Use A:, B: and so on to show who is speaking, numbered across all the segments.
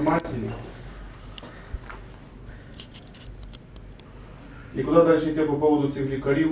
A: інформації. І куди далі йти по поводу цих лікарів?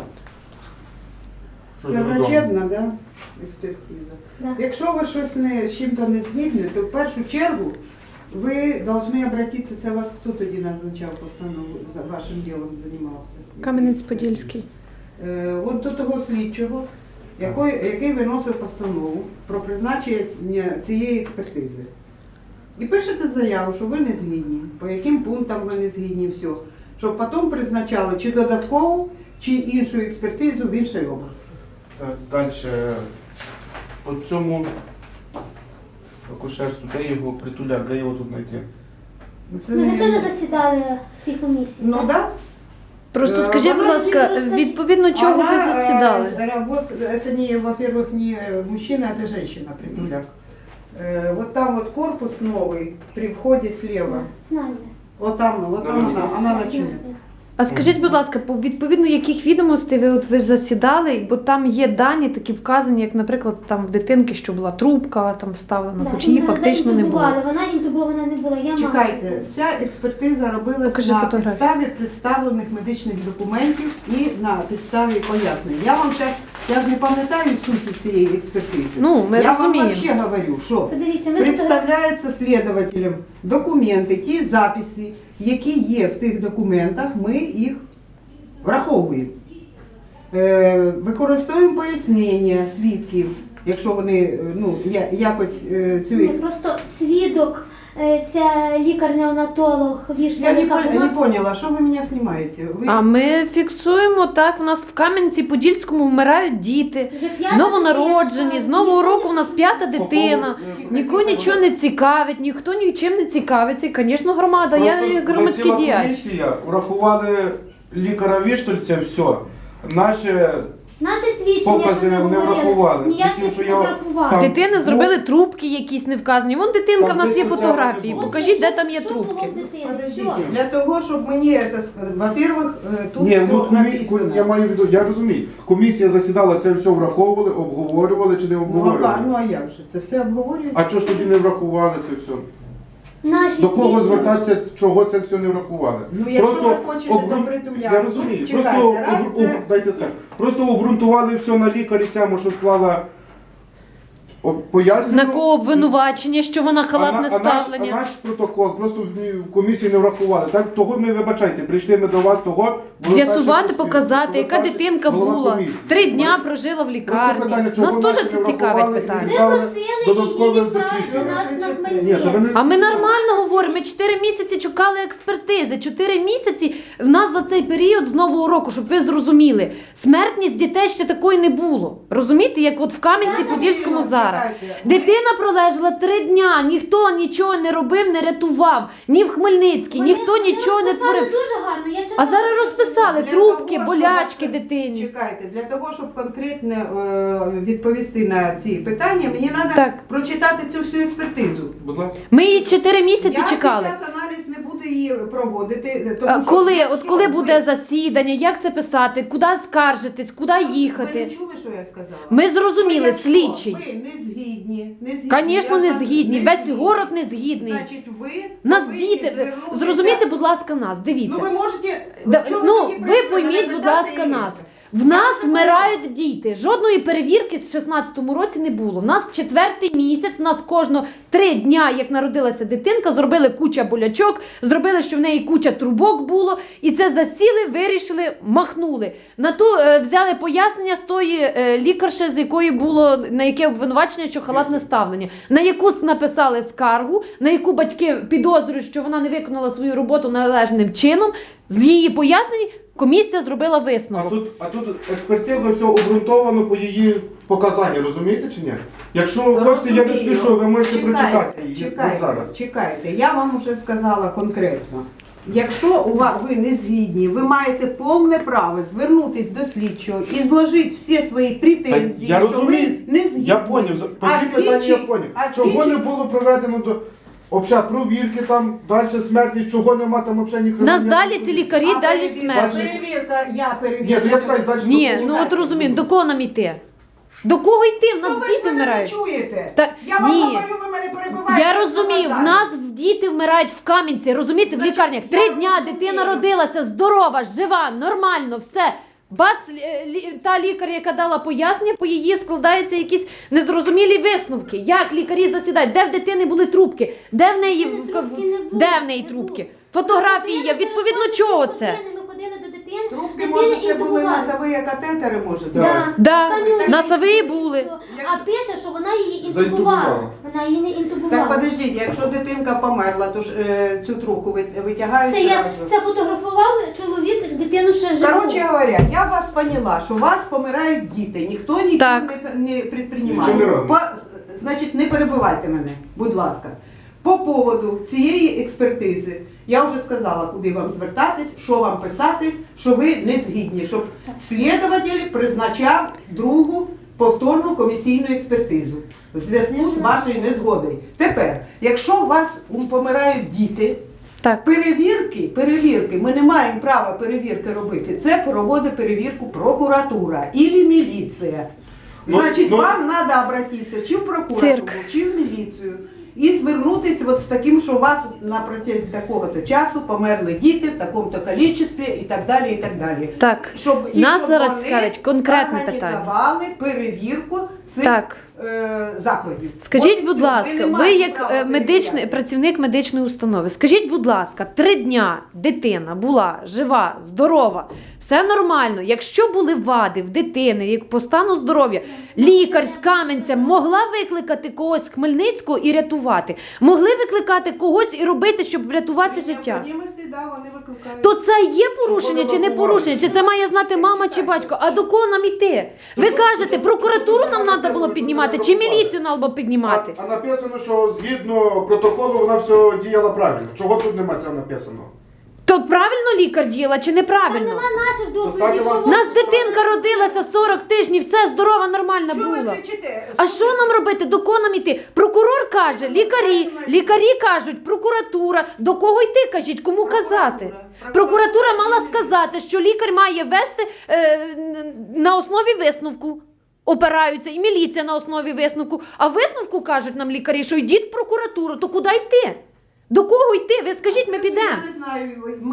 A: Що
B: Це
A: ж додому?
B: врачебна, да? Експертиза.
C: Да.
B: Якщо ви щось з чим-то не згідні, то в першу чергу ви повинні обратитися, це вас хто тоді назначав постанову, за вашим ділом займався?
D: Кам'янець-Подільський.
B: От до того слідчого, який виносив постанову про призначення цієї експертизи. І пишете заяву, що ви не згідні, по яким пунктам ви не згідні, все. Щоб потім призначали чи додаткову, чи іншу експертизу в іншій області.
A: Далі. По цьому акушерству, де його притуляк, де його тут знайти?
B: Це
C: Ну, ви
B: не-
C: теж засідали в цій комісії?
B: Ну
C: так?
B: да.
D: Просто скажіть, будь
C: вона
D: ласка,
C: розкажіть.
D: відповідно чого ви засідали?
B: Вот это не, во-первых, не мужчина, это женщина, притуляк. Вот там вот корпус новый, при входе слева.
C: Знаю.
B: Вот там она начнет.
D: А скажіть, будь ласка, по відповідно яких відомостей ви засідали, бо там є дані такі вказані, як, наприклад, там в дитинки, що була трубка там вставлена, хоч її фактично не було.
C: Вона інтубована не була.
B: Чекайте, вся експертиза робилась
D: Покажи
B: на
D: фотографію.
B: підставі представлених медичних документів і на підставі пояснень. Я вам зараз, я ж не пам'ятаю суті цієї експертизи.
D: Ну, ми
B: я
D: розуміємо.
B: вам взагалі говорю, що
C: Подивіться, ми
B: представляються слідователям документи, ті записи, які є в тих документах, ми їх враховуємо. Використовуємо пояснення свідків, якщо вони якось цю
C: Ні, просто свідок, ця лікар-неонатолог,
B: Я не
C: вона...
B: поняла, що ви мене знімаєте? Ви...
D: А ми фіксуємо так, у нас в Кам'янці-Подільському вмирають діти,
C: Вже п'ята
D: новонароджені,
C: дитина,
D: з нового року у нас 5-та дитина.
B: Тихо,
D: Нікого
B: тихо,
D: нічого не цікавить, ніхто нічим не цікавиться. І, звісно, громада, я як громадський
A: засіла
D: діяч.
A: комісія, врахували лікаря Віштольця, все.
C: Наше свідчення,
A: Покази
C: що ми
A: не
C: говорили,
A: врахували.
C: ніяких
A: Тим, що
C: не
A: я
C: врахували.
A: там-
D: Дитини зробили трубки якісь не вказані. Вон дитинка, в нас є
A: Там десь
D: фотографії.
A: було.
D: Покажіть, де там є
C: Що було
D: трубки.
C: в дитини?
B: Подождите,
C: Все.
B: для того, щоб мені це сказати, во-первых, тут
A: Ні,
B: все
A: ну
B: написано.
A: я маю в виду, я розумію. Комісія засідала, це все враховували, обговорювали чи не обговорювали?
B: Ну а як же? Це все обговорюється?
A: А чого ж тоді не врахували це все?
C: Наші
A: До кого
C: свідчення.
A: звертатися, чого це все не врахували?
B: Ну, якщо ви хочете до притуляку,
A: Я розумію,
B: ну, чекайте,
A: просто,
B: раз це-
A: дайте скажу, просто обґрунтували все на лікарі цьому, що склала пояснення.
D: На кого обвинувачення, що вона халатне
A: А
D: ставлення.
A: наш протокол просто в комісії не врахували. Так, того ми, вибачайте, прийшли ми до вас, того... було
D: З'ясувати,
A: перше,
D: показати,
A: що
D: яка
A: ви
D: дитинка
A: голова
D: була.
A: комісії.
D: 3 дня прожила в
A: Просто
D: лікарні.
A: питання, чого
D: Нас теж
A: нас
D: це
A: не
D: цікавить
A: врахували і
D: питання.
C: Ми
A: Правильно,
C: просили
A: додаткове
C: її відправити
A: дослідження.
C: нас на
A: Ні, та ви
C: Хмельницький.
A: не-
D: А ми нормально говоримо, ми 4 місяці чекали експертизи. 4 місяці в нас за цей період з Нового року, щоб ви зрозуміли, смертність дітей ще такої не було. Розумієте, як от в Кам'янці-Подільському зараз.
B: Чекайте.
D: Дитина пролежала 3 дня, ніхто нічого не робив, не рятував. Ні в Хмельницькій, ніхто нічого не
C: розписали
D: творив.
C: дуже гарно. Я читала.
D: А зараз розписали
B: Для
D: трубки,
B: того,
D: болячки
B: щоб-
D: дитині.
B: Чекайте, для того, щоб конкретно відповісти на ці питання, мені треба
D: Так.
B: прочитати цю всю експертизу.
A: Будь ласка.
D: Ми її 4 місяці
B: Я
D: чекали.
B: зараз аналіз не буду її проводити.
D: А
B: Тому що
D: коли,
B: якщо
D: от коли
B: ви-
D: буде засідання, як це писати, куди скаржитись, куди
B: Ви не
D: їхати?
B: чули, що я сказала?
D: Ми зрозуміли,
B: Якщо
D: слідчий.
B: Ви не згідні,
D: Звісно,
B: я
D: не
B: вас
D: згідні.
B: не
D: Весь
B: згідні.
D: город не згідний.
B: Значить, ви
D: Нас
B: повинні
D: діти,
B: звернутися-
D: зрозумійте, будь ласка, нас, дивіться.
B: Ну ви можете... чого
D: Ну,
B: тоді
D: ви
B: прийшли
D: пойміть,
B: мене
D: будь
B: питати
D: ласка,
B: і
D: нас.
B: це?
D: В нас вмирають діти. Жодної перевірки з 16-му році не було. В нас 4-й місяць, в нас кожного 3 дня, як народилася дитинка, зробили куча болячок, зробили, що в неї куча трубок було, і це засіли, вирішили, махнули. На ту взяли пояснення з тої лікарші, з якої було, на яке обвинувачення, що халатне ставлення, на яку написали скаргу, на яку батьки підозрюють, що вона не виконала свою роботу належним чином. З її пояснень комісія зробила висновок.
A: А тут експертиза все обґрунтовано по її показанню, розумієте чи ні? Якщо ви хочете, я не
B: Розумію.
A: спішу, ви можете
B: Чекайте,
A: прочитати її
B: чекайте,
A: зараз.
B: Чекайте, я вам вже сказала конкретно. Якщо ви не згідні, ви маєте повне право звернутися до слідчого і зложити всі свої претензії,
A: Я
B: що
A: розумію,
B: ви не згідні.
A: я поняв, по
B: А
A: цій питанні я
B: слідчий-
A: поняв.
B: а
A: Чого
B: слідчий-
A: не було проведено до провірки там, далі смертність, чого нема там взагалі ні
D: Нас
A: кримінального
D: далі ці лікарі,
B: А
D: далі
B: перевірка,
D: смерть.
B: перевірка, я
A: Ні,
B: перевірка.
A: то я питаю, далі
D: Ні,
A: що
D: ну от розуміємо, до кого нам іти? До кого йти? В нас
B: Ну ви ж
D: діти
B: мене не
D: вмирають.
B: чуєте.
D: Та-
B: Я вам
D: ні.
B: говорю, ви мене перебиваєте.
D: Я розумію, в нас діти вмирають в Кам'янці, розумієте, в
B: Значить,
D: лікарнях.
B: я
D: 3 дня
B: розумію.
D: дитина родилася, здорова, жива, нормально, все. Бац, та лікар, яка дала пояснення, по її складаються якісь незрозумілі висновки. Як лікарі засідають, де в дитини були трубки, де в неї,
C: Трубки не було,
D: де в неї
C: не
D: трубки.
C: було.
D: Фотографії є, відповідно чого це?
C: Ми ходили до дитини.
B: Трубки,
C: дитини
B: може, це були
C: інтубували.
B: носові катетери, може?
A: Да.
D: Да,
C: Останню
D: носові
C: ніч
D: були.
C: було. А пише, що вона її
A: Заінтубувала.
C: інтубувала. Вона її не інтубувала.
B: Так, подождіть, якщо дитинка померла, то ж цю трубку витягають
C: Це я
B: зразу.
C: це фотографував чоловік, дитину ще живу.
B: Короче говоря, я вас поняла, що у вас помирають діти, ніхто нічого
D: Так.
B: не предпринимає.
A: Нічого не робить.
B: Значить, не перебивайте мене, будь ласка. По поводу цієї експертизи, я вже сказала, куди вам звертатись, що вам писати, що ви не згідні, щоб слідователь призначав другу повторну комісійну експертизу в зв'язку з вашою незгодою. Тепер, якщо у вас помирають діти,
D: Так.
B: перевірки, ми не маємо права перевірки робити. Це проводить перевірку прокуратура або міліція. Значить, вам треба обратитися чи в прокуратуру,
D: Цирк.
B: чи в міліцію і звернутися от з таким, що у вас на протязі такого-то часу померли діти в такому-то кількості і так далі, і так далі.
D: Так.
B: Щоб,
D: Нас
B: щоб
D: зараз
B: вони
D: цікавить конкретне питання.
B: організували перевірку цих
D: Так.
B: закладів.
D: Скажіть,
B: От і
D: будь
B: все. Ми
D: ласка,
B: не
D: ви
B: маємо
D: як
B: права
D: медичний працівник медичної установи, скажіть, будь ласка, 3 дня дитина була жива, здорова, все нормально. Якщо були вади в дитини, як по стану здоров'я, лікар з Кам'янця могла викликати когось з Хмельницького і рятувати, могли викликати когось і робити, щоб врятувати
B: При
D: життя.
B: необхідності, да, вони викликають.
D: То це є порушення чи не
A: врахували?
D: порушення? Чи це має знати мама чи батько? А до кого нам іти? Ви кажете, прокуратуру нам треба було піднімати, чи міліцію нам було піднімати?
A: А написано, що згідно протоколу вона все діяла правильно. Чого тут нема цього написано?
D: То правильно лікар діяла чи
C: Там
D: неправильно?
C: нема наших доповідей,
A: Достатньо
C: що
A: вам-
D: У нас дитинка родилася 40 тижнів, все здорова, нормальна
B: Що ви
D: була.
B: кричите?
D: А що нам робити? До кого нам йти? Прокурор каже, лікарі кажуть, прокуратура. До кого йти, кажіть, кому казати? Прокуратура мала сказати, що лікар має вести на основі висновку. Опираються, і міліція на основі висновку. А висновку кажуть нам лікарі, що йдіть в прокуратуру, то куди йти? До кого йти? Ви скажіть, ми підемо.
B: Я не знаю,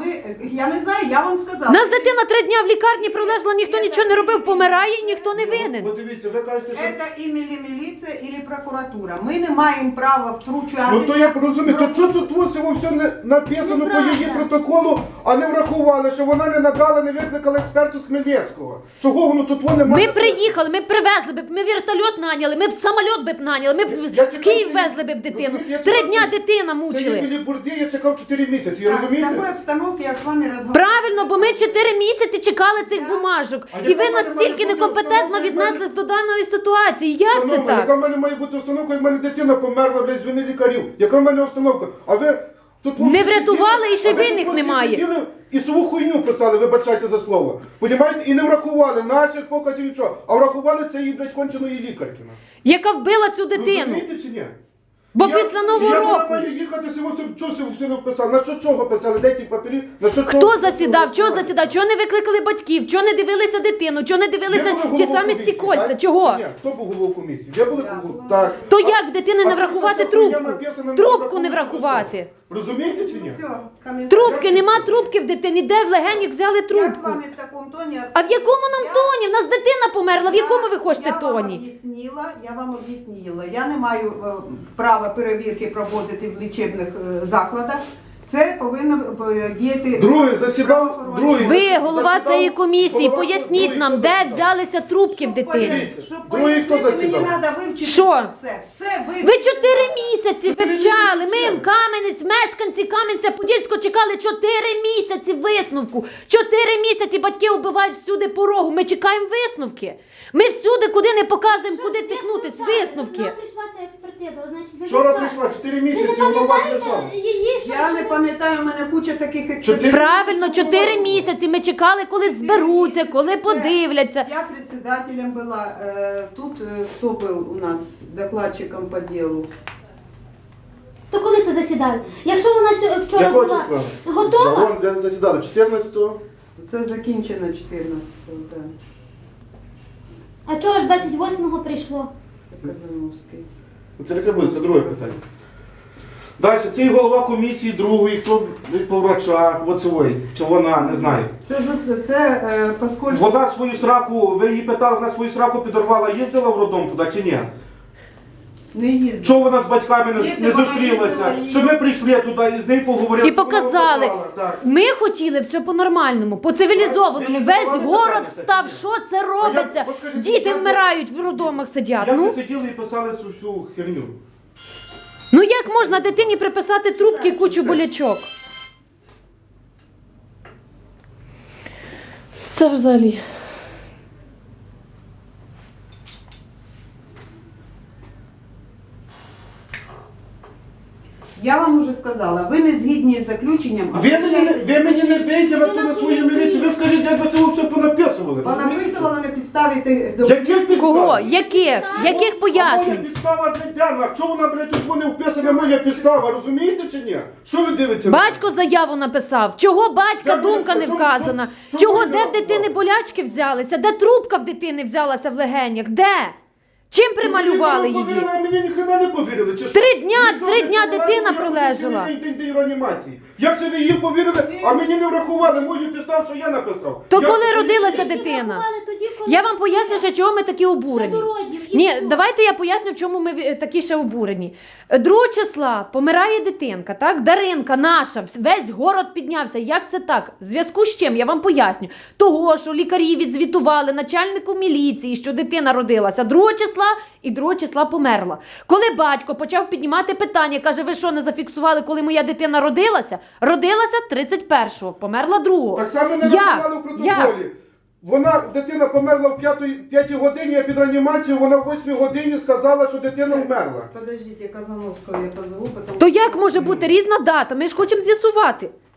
B: я не знаю, я вам сказала.
D: Нас дитина 3 дня в лікарні пролежала, ніхто нічого не робив, помирає і ніхто не винен.
A: От дивіться, ви кажете, що...
B: Це і міліція, і прокуратура. Ми не маємо права втручатися.
A: Ну то я розумію, то чого тут ось все не написано по її протоколу, а не врахували, що вона не надала, не викликала експерту з Хмельницького. Чого воно тут воно немає?
D: Ми приїхали, ми привезли б, ми вертольот наняли, ми б самоліт би б наняли, ми б
A: Я
D: в
A: чекав
D: Київ
A: цієї-
D: везли б дитину.
A: розумієте, я
D: 3
A: чекав
D: дня
A: цієї-
D: дитина
A: Це
D: мучили.
A: Юлії Бурді, я чекав 4 місяці,
B: Так, в
A: розумієте?
B: такій обстановці я з вами розмовляю.
D: Правильно, бо ми 4 місяці чекали цих
B: Я-
D: бумажок.
A: А
D: І
A: яка
D: ви
A: в мене
D: настільки
A: має бути
D: некомпетентно
A: установка, як
D: віднеслись
A: мене-
D: до даної ситуації. Як це
A: Шановна, яка
D: так?
A: в мене має бути установка, як в мене дитина померла, блядь, з вини лікарів? Яка в мене установка? А ви тут
D: Не
A: всі
D: врятували,
A: сиділи,
D: і ще
A: а ви
D: винних
A: тут всі
D: немає.
A: сиділи І свою хуйню писали, вибачайте за слово. Понімаєте? І не врахували наших показів нічого, а врахували це її, блядь, конченої лікарки.
D: Яка вбила цю дитину?
A: Розумієте чи ні?
D: Бо після Нового
A: я
D: року.
A: Я маю їхати, чого все написали? На що чого писали? Де ті папері? На що
D: Хто
A: чого?
D: засідав? Чого засідав? Чого не викликали батьків? Чого не дивилися дитину? Чого не
A: Ви
D: дивилися
A: були
D: ті
A: головою
D: самі
A: комісії,
D: стікольця?
A: так?
D: Чого?
A: Чи ні? Хто був головою комісії? Я були
B: Я
A: головою?
B: була.
A: Так.
D: То як в дитини не
A: А
D: врахувати
A: це хуйня
D: трубку?
A: написана,
D: Трубку не
A: враховуючи
D: врахувати.
A: Розумієте чи ні?
B: Все, коментар.
D: Трубки, нема трубки в дитині. Де в легенях взяли
B: Я з
D: трубку?
B: вами в такому тоні.
D: А в якому нам тоні? В нас дитина померла. В якому ви хочете
B: Я
D: тоні?
B: вам об'яснила. Я не маю права перевірки проводити в лічебних закладах. Це повинно діяти...
A: Другий засідав, другий.
D: Ви, голова
A: засідав,
D: цієї комісії,
A: голова-
D: поясніть
A: другий,
D: нам,
A: хто
D: де
A: засідав?
D: взялися трубки в дитини.
B: Щоб
A: Другий хто
B: пояснити, мені
A: засідав?
B: треба вивчити
D: Що?
B: все вивчити.
D: Ви 4 місяці
A: 4
D: вивчали.
A: місяці
D: Ми
A: вчили.
D: в Кам'янець, мешканці Кам'янця-Подільського чекали 4 місяці висновку. 4 місяці батьки вбивають всюди порогу. Ми чекаємо висновки. Ми всюди, куди не показуємо, куди тикнутись, висновки.
C: Нам прийшла ця експертиза, значить, ви
A: Вчора
C: вивчали.
A: прийшла, 4
C: Ви
A: місяці,
C: не
A: воно у вас
C: пам'ятаєте
A: лежало.
C: її, що
B: Я не
C: що-
B: пам'ятаю, у мене куча таких експертиз.
A: 4
D: Правильно, 4 місяці. Ми чекали, коли зберуться, коли подивляться.
B: Я председателем была. Тут кто был у нас докладчиком по делу?
C: То коли це засідали? Якщо вона вчора
A: Якого
C: була
A: числа?
C: готова,
A: Вон засідали 14-го.
B: Це закінчено 14-го. Так.
C: А чого ж 28-го прийшло?
B: Це Казановський.
A: Це не буде, це друге питання. Далі, це і голова комісії другої, хто по врачах, оцевої, чи вона, не знаю.
B: Поскольку...
A: Вона свою сраку, ви її питали, вона свою сраку підорвала, їздила в роддом туди чи ні?
B: Не їздив.
A: Чого вона з батьками не
B: Їздила,
A: зустрілася?
B: їздила,
A: Щоб ми прийшли туди і з нею поговорили.
D: І показали.
A: Так.
D: Ми хотіли все по-нормальному, по цивілізованому.
A: Ви
D: Весь
A: задавали
D: город
A: питання,
D: встав,
A: кстати,
D: що це робиться?
A: от скажіть,
D: Діти
A: як ви-
D: вмирають в роддомах сидять.
A: Як ви
D: Ну.
A: сиділи і писали цю всю херню?
D: Ну як можна дитині приписати трубки і кучу болячок? Це взагалі.
B: Я вам уже сказала, ви не згідні з заключенням. а
A: Ви мені не бейте на
C: Ви
A: ту на
C: нам
A: свою
C: поясніть.
A: міліцію. Ви скажіть, як ви це все понаписували.
B: Вона
A: розумієте?
B: висила на підставі тих
A: Яких підстав?
D: Кого? Яких? Яких
A: А моя
D: пояснень?
A: підстава для Дяна. Чого вона, блядь, тут не вписана моя підстава, розумієте чи ні? Що ви дивитеся? на
D: Батько заяву написав. Чого батька
A: Як ви-
D: думка не
A: чому-
D: вказана?
A: чому
D: Чого
A: ви
D: де в
A: не
D: дитини
A: вказали?
D: болячки взялися? Де трубка в дитини взялася в легенях? Де? Чим прималювали
A: Мені
D: її?
A: повірили, а мені ніхрена не повірили. Чи що?
D: 3 дня,
A: Ви що,
D: 3
A: не
D: дня
A: повірили,
D: дитина
A: як
D: пролежала.
A: День реанімації. Як це ви її повірили, а мені не врахували мою підставу, що я написав?
D: То
A: Як
D: коли
A: це ви
D: родилася
A: її-
D: дитина?
C: Врахували тоді, коли
D: Я вам поясню, що чого ми такі обурені.
C: ще до родів, і
D: Ні,
C: все.
D: давайте я поясню, в чому ми такі ще обурені. 2 числа помирає дитинка, так? Даринка наша, весь город піднявся. Як це так? В зв'язку з чим? Я вам поясню. Того, що лікарі відзвітували начальнику міліції, що дитина родилася 2 числа і 2 числа померла. Коли батько почав піднімати питання, каже, ви що, не зафіксували, коли моя дитина родилася? Родилася 31-го, померла 2-го.
A: Так само не
D: Як?
A: врахували в протоколі.
D: Як?
A: Дитина померла в 5 годині, а під реанімацією вона в 8 годині сказала, що дитина вмерла.
B: Подождіть, я Казановського я позову, потім...
D: То як може бути різна дата? Ми ж хочемо з'ясувати.